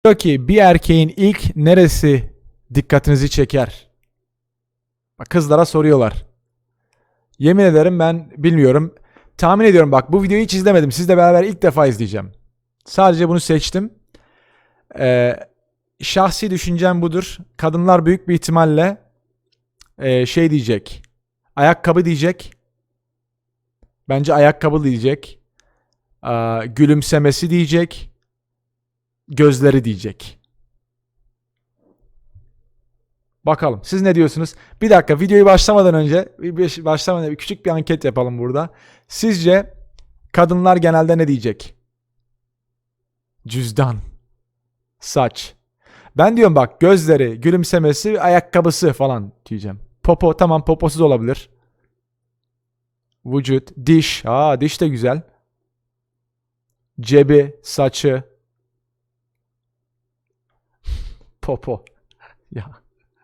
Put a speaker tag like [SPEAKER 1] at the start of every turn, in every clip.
[SPEAKER 1] Diyor ki bir erkeğin ilk neresi dikkatinizi çeker? Bak, kızlara soruyorlar. Yemin ederim ben bilmiyorum. Tahmin ediyorum, bak bu videoyu hiç izlemedim. Sizle beraber ilk defa izleyeceğim. Sadece bunu seçtim. Şahsi düşüncem budur. Kadınlar büyük bir ihtimalle şey diyecek. Ayakkabı diyecek. Bence ayakkabı diyecek. Gülümsemesi diyecek. Gözleri diyecek. Bakalım siz ne diyorsunuz? Bir dakika, videoyu başlamadan önce küçük bir anket yapalım burada. Sizce kadınlar genelde ne diyecek? Cüzdan, saç. Ben diyorum bak, gözleri, gülümsemesi, ayakkabısı falan diyeceğim. Popo, tamam, poposuz olabilir. Vücut, diş. Diş de güzel. Cebi, saçı. Popo. Ya.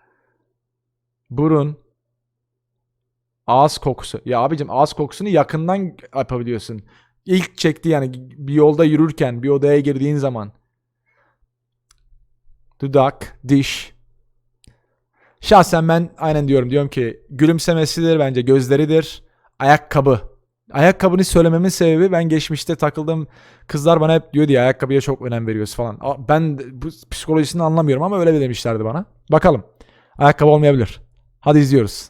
[SPEAKER 1] Burun. Ağız kokusu. Ya abicim, ağız kokusunu yakından yapabiliyorsun. İlk çekti yani, bir yolda yürürken, bir odaya girdiğin zaman. Dudak, diş. Şahsen ben aynen diyorum ki gülümsemesidir bence, gözleridir. Ayakkabı. Ayakkabını söylememin sebebi, ben geçmişte takıldığım kızlar bana hep diyor diye ayakkabıya çok önem veriyoruz falan. Ben bu psikolojisini anlamıyorum ama öyle demişlerdi bana. Bakalım. Ayakkabı olmayabilir. Hadi izliyoruz.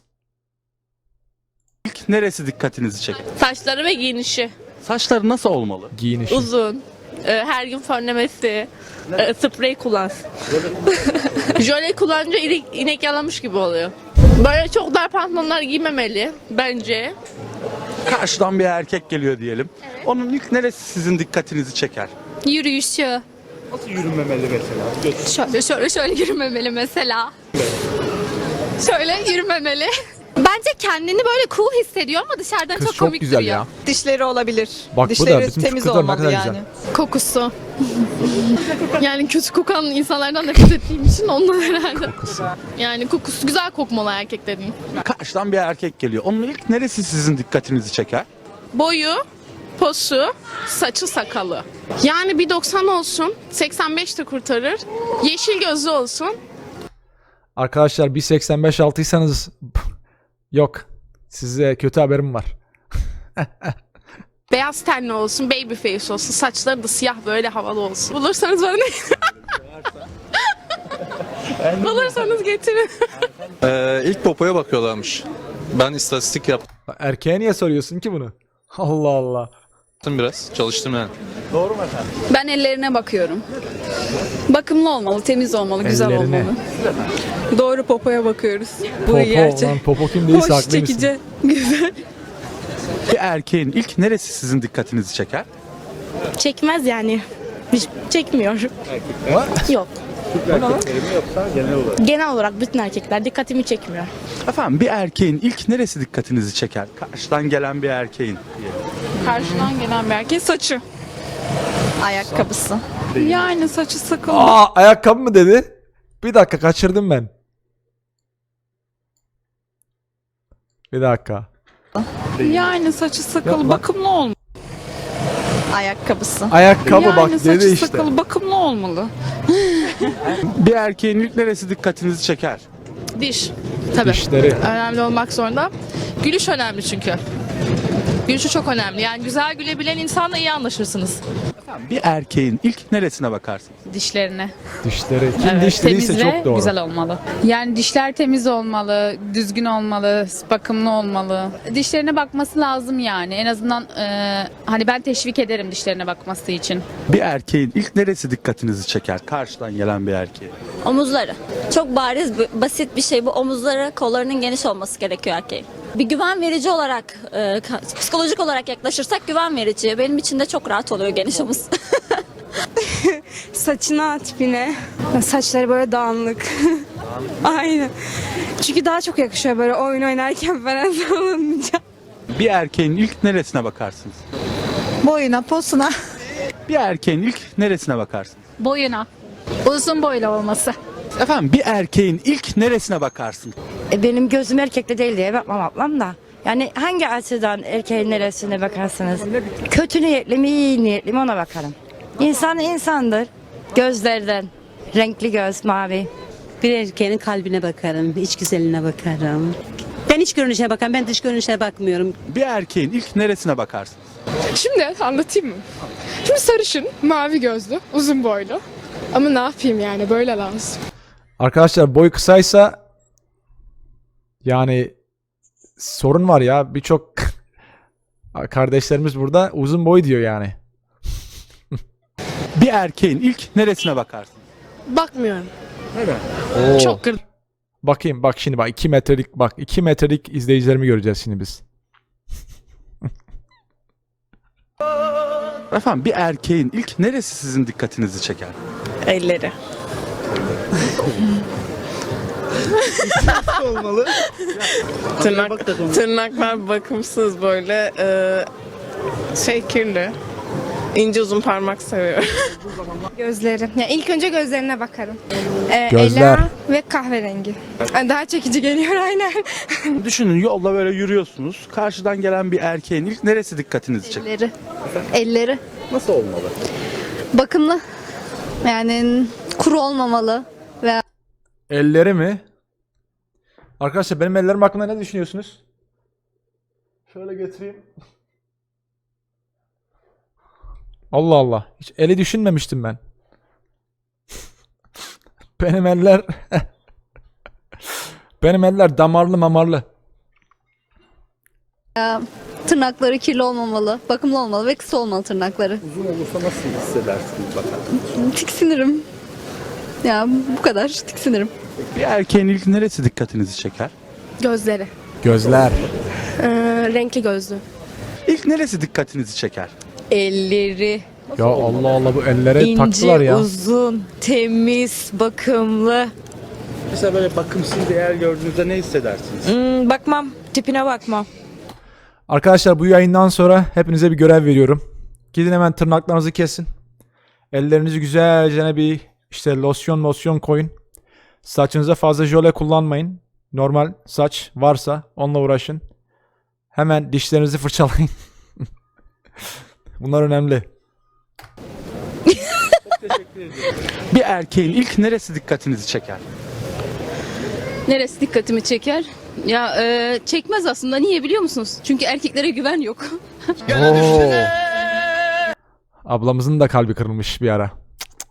[SPEAKER 2] İlk neresi dikkatinizi çeker?
[SPEAKER 3] Saçları ve giyinişi.
[SPEAKER 2] Saçları nasıl olmalı?
[SPEAKER 1] Giyinişi.
[SPEAKER 3] Uzun. Her gün fönlemesi. Sprey kullansın. Jöle kullanınca inek yalamış gibi oluyor. Böyle çok dar pantolonlar giymemeli bence.
[SPEAKER 2] Karşıdan bir erkek geliyor diyelim. Onun ilk neresi sizin dikkatinizi çeker?
[SPEAKER 4] Yürüyüşü.
[SPEAKER 2] Nasıl yürünmemeli mesela?
[SPEAKER 4] Şöyle yürümemeli mesela. Şöyle yürümemeli. Bence kendini böyle cool hissediyor ama dışarıdan
[SPEAKER 1] Kız
[SPEAKER 4] çok
[SPEAKER 1] çok
[SPEAKER 4] komik
[SPEAKER 1] güzel
[SPEAKER 4] duruyor.
[SPEAKER 1] ya.
[SPEAKER 5] Dişleri olabilir.
[SPEAKER 1] Bak bu da
[SPEAKER 5] Dişleri
[SPEAKER 1] bütün
[SPEAKER 5] temiz
[SPEAKER 1] kızlar ne
[SPEAKER 5] olmalı
[SPEAKER 1] kadar
[SPEAKER 5] yani.
[SPEAKER 1] güzel.
[SPEAKER 4] Kokusu. Yani kötü kokan insanlardan nefret ettiğim için ondan herhalde.
[SPEAKER 1] Kokusu.
[SPEAKER 4] Yani kokusu güzel kokmalı erkeklerin.
[SPEAKER 2] Karşıdan bir erkek geliyor. Onun ilk neresi sizin dikkatinizi çeker?
[SPEAKER 3] Boyu, posu, saçı, sakalı. Yani bir 90 olsun, 85 de kurtarır. Yeşil gözlü olsun.
[SPEAKER 1] Arkadaşlar 1.85 altıysanız yok. Size kötü haberim var.
[SPEAKER 3] Beyaz tenli olsun, baby face olsun. Saçları da siyah böyle havalı olsun. Bulursanız bana ne? Bulursanız getirin.
[SPEAKER 6] İlk popoya bakıyorlarmış. Ben istatistik yaptım
[SPEAKER 1] Erkeğe niye soruyorsun ki bunu? Allah Allah.
[SPEAKER 6] biraz. Çalıştım yani.
[SPEAKER 5] Ben ellerine bakıyorum. Bakımlı olmalı, temiz olmalı, güzel
[SPEAKER 1] Ellerine.
[SPEAKER 5] olmalı. Doğru, popoya bakıyoruz. Bu
[SPEAKER 1] Popo,
[SPEAKER 5] gerçek.
[SPEAKER 1] lan popo kim değilse
[SPEAKER 5] Hoş,
[SPEAKER 1] haklı mısın?
[SPEAKER 5] çekici, güzel.
[SPEAKER 2] Bir erkeğin ilk neresi sizin dikkatinizi çeker?
[SPEAKER 7] Çekmez yani. Hiç çekmiyor. Yok. Genel olarak bütün erkekler dikkatimi çekmiyor.
[SPEAKER 2] Efendim bir erkeğin ilk neresi dikkatinizi çeker? Karşıdan gelen bir erkeğin.
[SPEAKER 5] Karşıdan gelen bir erkeğin saçı. Ayakkabısı. Yani saçı sakalı.
[SPEAKER 1] Ayakkabı mı dedi? Bir dakika, kaçırdım ben. Bir dakika.
[SPEAKER 5] Yani saçı sakalı,
[SPEAKER 1] Ya bak-
[SPEAKER 5] bakımlı olmalı. Ayakkabısı.
[SPEAKER 1] Ayakkabı
[SPEAKER 5] yani
[SPEAKER 1] bak
[SPEAKER 5] saçı
[SPEAKER 1] dedi işte.
[SPEAKER 5] sakalı, bakımlı olmalı.
[SPEAKER 2] Bir erkeğin ilk neresi dikkatinizi çeker?
[SPEAKER 3] Diş. Tabii.
[SPEAKER 1] Dişleri.
[SPEAKER 3] Önemli olmak zorunda. Gülüş önemli çünkü. Gülüşü çok önemli. Yani güzel gülebilen insanla iyi anlaşırsınız.
[SPEAKER 2] Bir erkeğin ilk neresine bakarsın?
[SPEAKER 8] Dişlerine.
[SPEAKER 1] Dişleri. Kim diş dediyse
[SPEAKER 8] Temiz ve
[SPEAKER 1] çok doğru.
[SPEAKER 8] güzel olmalı. Yani dişler temiz olmalı, düzgün olmalı, bakımlı olmalı. Dişlerine bakması lazım yani. En azından hani ben teşvik ederim dişlerine bakması için.
[SPEAKER 2] Bir erkeğin ilk neresi dikkatinizi çeker? Karşıdan gelen bir erkeğe.
[SPEAKER 9] Omuzları. Çok bariz, basit bir şey bu. Omuzları, kollarının geniş olması gerekiyor erkeğin. Bir güven verici olarak, psikolojik olarak yaklaşırsak güven verici. Benim için de çok rahat oluyor geniş omuz.
[SPEAKER 7] Saçına, tipine. Saçları böyle dağınık. Aynen. Çünkü daha çok yakışıyor böyle oyun oynarken falan sallanınca.
[SPEAKER 2] Bir erkeğin ilk neresine bakarsınız?
[SPEAKER 5] Boyuna, posuna.
[SPEAKER 2] Bir erkeğin ilk neresine bakarsınız?
[SPEAKER 8] Boyuna. Uzun boylu olması.
[SPEAKER 2] Efendim bir erkeğin ilk neresine bakarsın?
[SPEAKER 7] Benim gözüm erkekte değil diye bakmam ablam da. Yani hangi açıdan erkeğin neresine bakarsınız? Kötü niyetli mi, iyi niyetli mi ona bakarım. İnsan insandır. Gözlerden, Renkli göz, mavi.
[SPEAKER 10] Bir erkeğin kalbine bakarım, iç güzeline bakarım. Ben iç görünüşe bakarım, ben dış görünüşe bakmıyorum.
[SPEAKER 2] Bir erkeğin ilk neresine bakarsınız?
[SPEAKER 5] Şimdi anlatayım mı? Şimdi sarışın, mavi gözlü, uzun boylu. Ama ne yapayım yani böyle lazım.
[SPEAKER 1] Arkadaşlar boy kısaysa yani sorun var ya. Birçok kardeşlerimiz burada uzun boy diyor yani.
[SPEAKER 2] Bir erkeğin ilk neresine bakarsınız?
[SPEAKER 3] Bakmıyorum.
[SPEAKER 1] Oo.
[SPEAKER 3] Çok kırdım.
[SPEAKER 1] Bakayım bak şimdi bak 2 metrelik bak 2 metrelik izleyicilerimi göreceğiz şimdi biz.
[SPEAKER 2] Efendim bir erkeğin ilk neresi sizin dikkatinizi çeker?
[SPEAKER 5] Elleri. Tırnaklar bakımsız böyle kirli. İnce uzun parmak seviyorum.
[SPEAKER 7] Gözleri. Ya ilk önce gözlerine bakarım.
[SPEAKER 1] Gözler.
[SPEAKER 7] Ela ve kahverengi. Daha çekici geliyor aynen.
[SPEAKER 2] Düşünün yolda böyle yürüyorsunuz. Karşıdan gelen bir erkeğin ilk neresi dikkatinizi çeker?
[SPEAKER 4] Elleri. Elleri.
[SPEAKER 2] Nasıl olmalı?
[SPEAKER 4] Bakımlı. Yani kuru olmamalı.
[SPEAKER 1] Elleri mi? Arkadaşlar benim ellerim hakkında ne düşünüyorsunuz? Şöyle getireyim. Allah Allah. Hiç eli düşünmemiştim ben. Benim eller benim eller damarlı mamarlı.
[SPEAKER 4] Tırnakları kirli olmamalı. Bakımlı olmalı ve kısa olmalı tırnakları.
[SPEAKER 2] Uzun olursa nasıl hissedersiniz bakalım?
[SPEAKER 4] Tiksinirim. Ya bu kadar tiksinirim.
[SPEAKER 2] Bir erkeğin ilk neresi dikkatinizi çeker?
[SPEAKER 3] Gözleri.
[SPEAKER 1] Gözler.
[SPEAKER 3] Renkli gözlü.
[SPEAKER 2] İlk neresi dikkatinizi çeker?
[SPEAKER 11] Elleri
[SPEAKER 1] Ya Allah Allah bu ellere taktılar ya.
[SPEAKER 11] uzun, temiz, bakımlı.
[SPEAKER 2] Mesela böyle bakımsız bir yer gördüğünüzde ne hissedersiniz?
[SPEAKER 11] Bakmam, tipine bakmam.
[SPEAKER 1] Arkadaşlar bu yayından sonra hepinize bir görev veriyorum. Gidin hemen tırnaklarınızı kesin. Ellerinizi güzelce bir işte losyon koyun. Saçınıza fazla jöle kullanmayın. Normal saç varsa onunla uğraşın. Hemen dişlerinizi fırçalayın. Bunlar önemli.
[SPEAKER 2] Bir erkeğin ilk neresi dikkatinizi çeker?
[SPEAKER 8] Neresi dikkatimi çeker? Ya çekmez aslında. Niye biliyor musunuz? Çünkü erkeklere güven yok.
[SPEAKER 1] Oo. Ablamızın da kalbi kırılmış bir ara.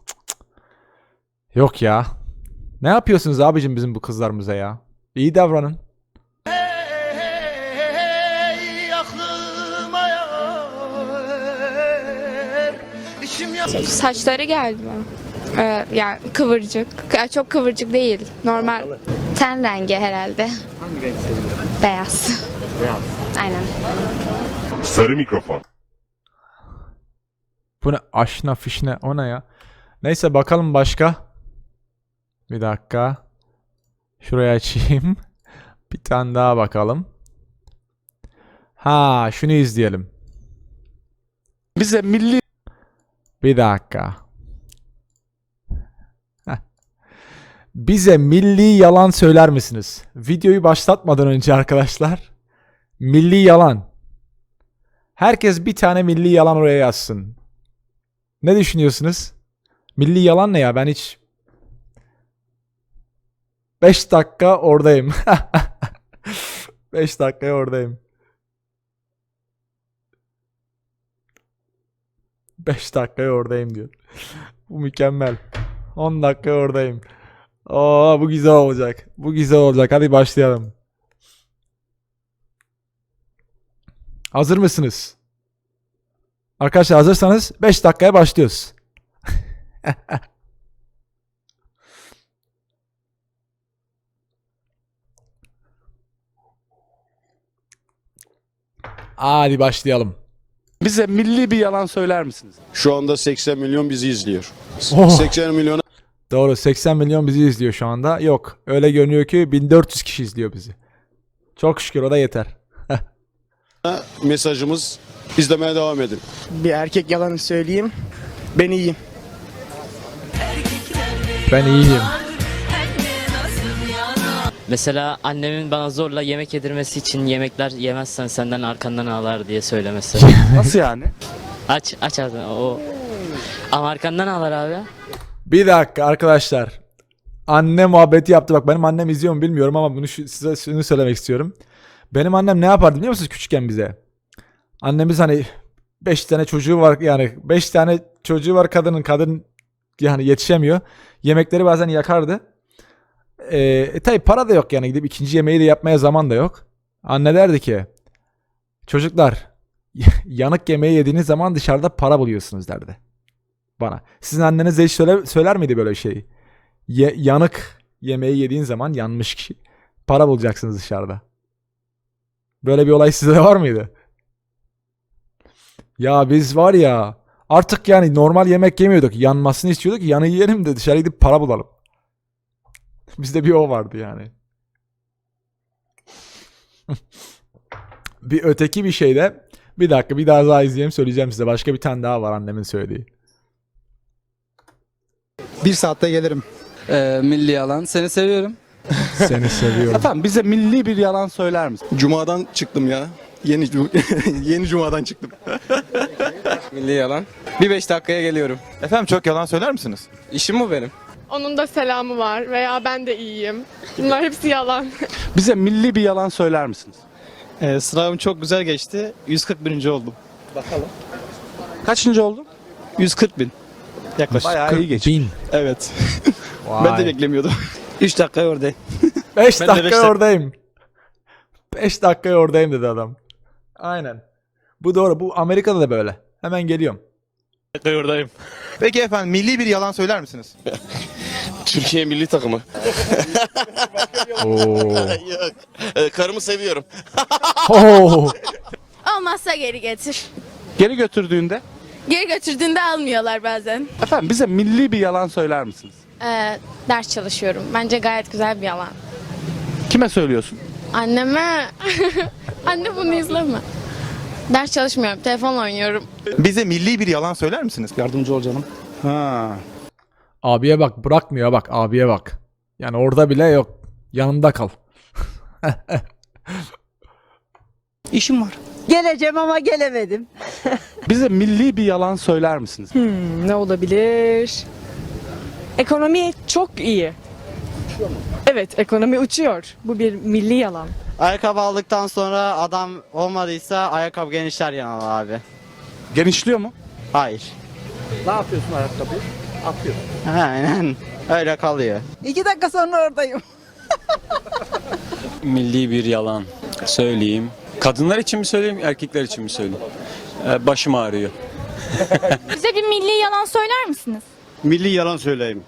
[SPEAKER 1] Yok ya. Ne yapıyorsunuz abicim bizim bu kızlarımıza ya? İyi davranın.
[SPEAKER 7] Saçları geldi mi? Yani kıvırcık. Yani çok kıvırcık değil. Normal. Ten rengi herhalde.
[SPEAKER 2] Hangi renk seviyorsun?
[SPEAKER 7] Beyaz.
[SPEAKER 2] Beyaz.
[SPEAKER 7] Aynen.
[SPEAKER 12] Sarı mikrofon.
[SPEAKER 1] Bu ne? Aşna fişne o ne ya? Neyse bakalım başka. Bir dakika. Şuraya açayım. Bir tane daha bakalım. Ha şunu izleyelim.
[SPEAKER 2] Bize milli
[SPEAKER 1] Bir dakika. Heh. Bize milli yalan söyler misiniz? Videoyu başlatmadan önce arkadaşlar. Milli yalan. Herkes bir tane milli yalan oraya yazsın. Ne düşünüyorsunuz? Milli yalan ne ya? Ben hiç 5 dakika oradayım. 5 dakikaya oradayım. 5 dakikaya oradayım diyor. Bu mükemmel. 10 dakikaya oradayım. Oo bu güzel olacak. Bu güzel olacak. Hadi başlayalım. Hazır mısınız? Arkadaşlar hazırsanız 5 dakikaya başlıyoruz. Hadi başlayalım.
[SPEAKER 2] bize milli bir yalan söyler misiniz?
[SPEAKER 12] Şu anda 80 milyon bizi izliyor.
[SPEAKER 1] Oh.
[SPEAKER 12] 80 milyona
[SPEAKER 1] Doğru 80 milyon bizi izliyor şu anda. Yok öyle görünüyor ki 1400 kişi izliyor bizi. Çok şükür o da yeter.
[SPEAKER 12] mesajımız izlemeye devam edin.
[SPEAKER 13] Bir erkek yalanı söyleyeyim. Ben iyiyim.
[SPEAKER 1] Ben iyiyim.
[SPEAKER 14] Mesela annemin bana zorla yemek yedirmesi için yemekler yemezsen senden arkandan ağlar diye söylemesi.
[SPEAKER 2] Nasıl yani?
[SPEAKER 14] Aç ağzını o. Ama arkandan ağlar abi.
[SPEAKER 1] Bir dakika arkadaşlar. Anne muhabbeti yaptı. Bak benim annem izliyor mu bilmiyorum ama bunu size şunu söylemek istiyorum. Benim annem ne yapardı biliyor musunuz küçükken bize? Annemiz hani 5 tane çocuğu var, yani 5 tane çocuğu var kadın yani yetişemiyor. Yemekleri bazen yakardı. Tabi para da yok, yani gidip ikinci yemeği de yapmaya zaman da yok. Anne derdi ki çocuklar yanık yemeği yediğiniz zaman dışarıda para buluyorsunuz derdi bana. Sizin anneniz de hiç söyler miydi böyle şeyi? Yanık yemeği yediğin zaman, yanmış kişi, para bulacaksınız dışarıda. Böyle bir olay sizde de var mıydı? Ya biz var ya artık yani normal yemek yemiyorduk. Yanmasını istiyorduk ki yanı yiyelim de dışarı gidip para bulalım. Bizde bir o vardı yani. Bir öteki bir şey de, bir dakika bir daha izleyelim, söyleyeceğim size. Başka bir tane daha var annemin söylediği.
[SPEAKER 13] 1 saatte gelirim.
[SPEAKER 15] Milli yalan. Seni seviyorum.
[SPEAKER 1] Seni seviyorum.
[SPEAKER 2] Efendim bize milli bir yalan söyler misin?
[SPEAKER 6] Cuma'dan çıktım ya. Yeni Cuma'dan çıktım.
[SPEAKER 15] Milli yalan. Bir 5 dakikaya geliyorum.
[SPEAKER 6] Efendim çok yalan söyler misiniz?
[SPEAKER 15] İşim bu benim.
[SPEAKER 5] Onun da selamı var veya ben de iyiyim. Bunlar hepsi yalan.
[SPEAKER 2] Bize milli bir yalan söyler misiniz?
[SPEAKER 13] Sınavım çok güzel geçti. 141. oldum.
[SPEAKER 2] Bakalım. Kaçıncı oldun?
[SPEAKER 13] 140 bin. Yaklaşık.
[SPEAKER 2] Bayağı iyi geçti.
[SPEAKER 1] 40.000.
[SPEAKER 13] Evet.
[SPEAKER 1] Vay.
[SPEAKER 13] Ben de beklemiyordum. 3 dakika oradayım.
[SPEAKER 1] 5
[SPEAKER 13] Ben de beş
[SPEAKER 1] dakika
[SPEAKER 13] dakika-
[SPEAKER 1] oradayım. 5 dakika oradayım dedi adam. Aynen. Bu doğru. Bu Amerika'da da böyle. Hemen geliyorum.
[SPEAKER 13] Oradayım.
[SPEAKER 6] Peki efendim milli bir yalan söyler misiniz?
[SPEAKER 12] Türkiye milli takımı.
[SPEAKER 1] Oo.
[SPEAKER 12] Yok. Karımı seviyorum.
[SPEAKER 1] Oo.
[SPEAKER 3] Olmazsa geri getir.
[SPEAKER 2] Geri götürdüğünde?
[SPEAKER 3] Geri götürdüğünde almıyorlar bazen.
[SPEAKER 2] Efendim bize milli bir yalan söyler misiniz?
[SPEAKER 4] Ders çalışıyorum. Bence gayet güzel bir yalan.
[SPEAKER 2] Kime söylüyorsun?
[SPEAKER 4] Anneme... Anne bunu izleme. Ders çalışmıyorum. Telefonla oynuyorum.
[SPEAKER 6] Bize milli bir yalan söyler misiniz?
[SPEAKER 13] Yardımcı ol canım.
[SPEAKER 2] Ha.
[SPEAKER 1] Abiye bak, bırakmıyor bak, abiye bak. Yani orada bile yok. Yanında kal.
[SPEAKER 13] İşim var.
[SPEAKER 10] Geleceğim ama gelemedim.
[SPEAKER 2] Bize milli bir yalan söyler misiniz?
[SPEAKER 11] Ne olabilir? Ekonomi çok iyi. Evet, ekonomi uçuyor. Bu bir milli yalan.
[SPEAKER 15] Ayakkabı aldıktan sonra adam olmadıysa ayakkabı genişler yani abi.
[SPEAKER 2] Genişliyor mu?
[SPEAKER 15] Hayır.
[SPEAKER 2] Ne yapıyorsun ayakkabıyı? Atıyorsun.
[SPEAKER 15] Aynen. Öyle kalıyor.
[SPEAKER 10] 2 dakika sonra oradayım.
[SPEAKER 16] Milli bir yalan söyleyeyim. Kadınlar için mi söyleyeyim, erkekler için mi söyleyeyim? Başım ağrıyor.
[SPEAKER 4] Bize bir milli yalan söyler misiniz?
[SPEAKER 12] Milli yalan söyleyeyim.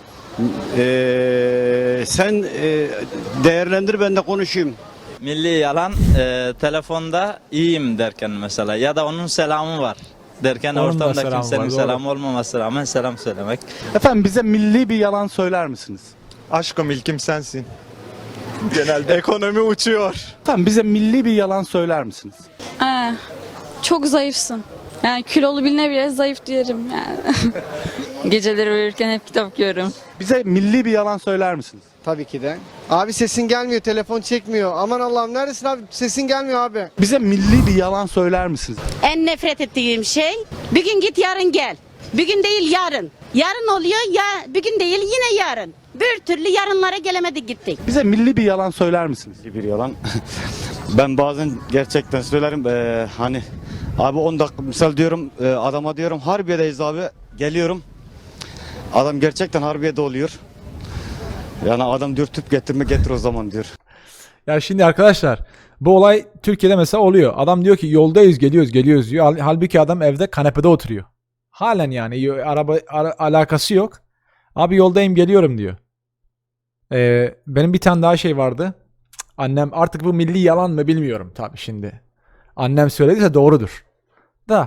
[SPEAKER 12] Sen değerlendir, ben de konuşayım.
[SPEAKER 15] Milli yalan telefonda iyiyim derken mesela ya da onun selamı var derken
[SPEAKER 1] Onun da
[SPEAKER 15] ortamda
[SPEAKER 1] selamı
[SPEAKER 15] kimsenin
[SPEAKER 1] var, doğru.
[SPEAKER 15] selamı olmaması rağmen selam söylemek.
[SPEAKER 2] Efendim bize milli bir yalan söyler misiniz?
[SPEAKER 6] Aşkım ilkim sensin. Genelde ekonomi uçuyor.
[SPEAKER 2] Efendim bize milli bir yalan söyler misiniz?
[SPEAKER 4] Çok zayıfsın. Yani kilolu birine bile zayıf diyelim yani. Geceleri uyurken hep kitap okuyorum.
[SPEAKER 2] Bize milli bir yalan söyler misiniz?
[SPEAKER 13] Tabii ki de. Abi sesin gelmiyor, telefon çekmiyor. Aman Allah'ım neredesin abi? Sesin gelmiyor abi.
[SPEAKER 2] Bize milli bir yalan söyler misiniz?
[SPEAKER 10] En nefret ettiğim şey, bir gün git yarın gel. Bir gün değil yarın. Yarın oluyor ya, bir gün değil yine yarın. Bir türlü yarınlara gelemedik gittik.
[SPEAKER 2] Bize milli bir yalan söyler misiniz?
[SPEAKER 12] Bir yalan. Ben bazen gerçekten söylerim. Hani abi 10 dakika misal diyorum, adama diyorum Harbiye'deyiz abi. Geliyorum. Adam gerçekten Harbiye'de oluyor. Yani adam diyor tüp getirme, getir o zaman diyor.
[SPEAKER 1] Ya şimdi arkadaşlar, bu olay Türkiye'de mesela oluyor. Adam diyor ki yoldayız, geliyoruz diyor. Halbuki adam evde kanepede oturuyor. Halen yani alakası yok. Abi yoldayım, geliyorum diyor. Benim bir tane daha şey vardı. Annem, artık bu milli yalan mı bilmiyorum tabii şimdi. Annem söylediyse doğrudur. Da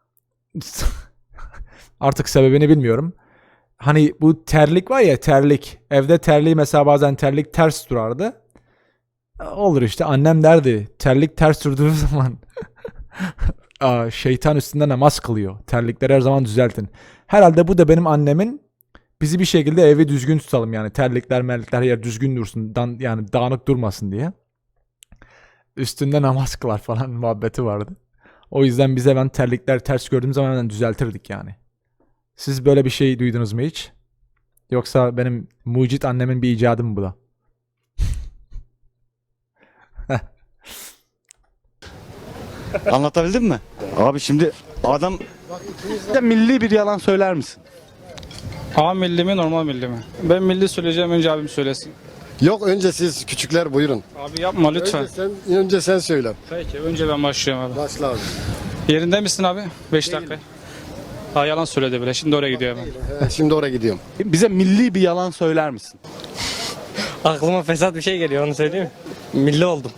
[SPEAKER 1] artık sebebini bilmiyorum. Hani bu terlik var ya, terlik. Evde terliği mesela bazen terlik ters durardı. Olur işte, annem derdi terlik ters durduğu zaman şeytan üstünde namaz kılıyor. Terlikleri her zaman düzeltin. Herhalde bu da benim annemin bizi bir şekilde evi düzgün tutalım yani. Terlikler merlikler her yer düzgün dursun. Yani dağınık durmasın diye. Üstünde namaz kılar falan muhabbeti vardı. O yüzden bize ben terlikler ters gördüğüm zaman hemen düzeltirdik yani. Siz böyle bir şey duydunuz mu hiç? Yoksa benim mucit annemin bir icadı mı bu da?
[SPEAKER 12] Anlatabildim mi? Abi şimdi adam
[SPEAKER 2] Bize milli bir yalan söyler misin?
[SPEAKER 17] A milli mi normal milli mi? Ben milli söyleyeceğim, önce abim söylesin.
[SPEAKER 13] Yok önce siz küçükler buyurun.
[SPEAKER 17] Abi yapma lütfen.
[SPEAKER 13] Önce sen söyle.
[SPEAKER 17] Peki önce ben başlıyorum abi.
[SPEAKER 13] Başla abi.
[SPEAKER 17] Yerinde misin abi? 5 dakika. Ha yalan söyledi bile. Şimdi oraya gidiyor hemen.
[SPEAKER 13] Şimdi oraya gidiyorum.
[SPEAKER 2] Bize milli bir yalan söyler misin?
[SPEAKER 18] Aklıma fesat bir şey geliyor, onu söyleyeyim mi? Milli oldum.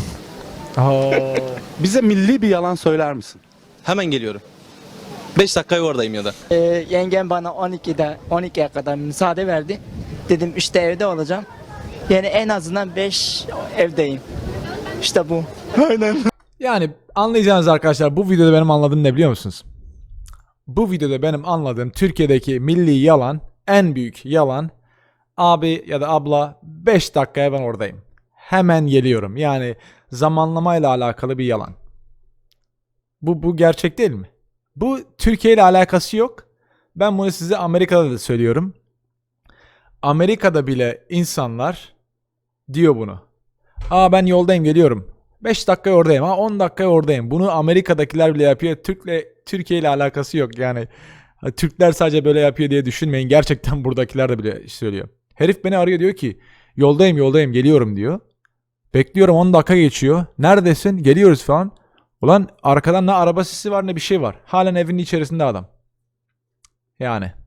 [SPEAKER 2] Bize milli bir yalan söyler misin?
[SPEAKER 6] Hemen geliyorum. 5 dakikaya oradayım ya da.
[SPEAKER 18] Yengem bana 12'ye kadar müsaade verdi. Dedim işte evde olacağım. Yani en azından 5 evdeyim. İşte bu.
[SPEAKER 2] Aynen.
[SPEAKER 1] Yani anlayacağınız arkadaşlar, bu videoda benim anladığım ne biliyor musunuz? Bu videoda benim anladığım Türkiye'deki milli yalan, en büyük yalan, abi ya da abla 5 dakikaya ben oradayım. Hemen geliyorum. Yani zamanlamayla alakalı bir yalan. Bu gerçek değil mi? Bu Türkiye ile alakası yok. Ben bunu size Amerika'da da söylüyorum. Amerika'da bile insanlar diyor bunu. Aa ben yoldayım geliyorum. 5 dakikaya oradayım. 10 dakikaya oradayım. Bunu Amerika'dakiler bile yapıyor. Türkiye ile alakası yok. Yani Türkler sadece böyle yapıyor diye düşünmeyin. Gerçekten buradakiler de bile söylüyor. Herif beni arıyor, diyor ki yoldayım geliyorum diyor. Bekliyorum, 10 dakika geçiyor. Neredesin? Geliyoruz falan. Ulan arkadan ne araba sesi var ne bir şey var. Halen evinin içerisinde adam. Yani.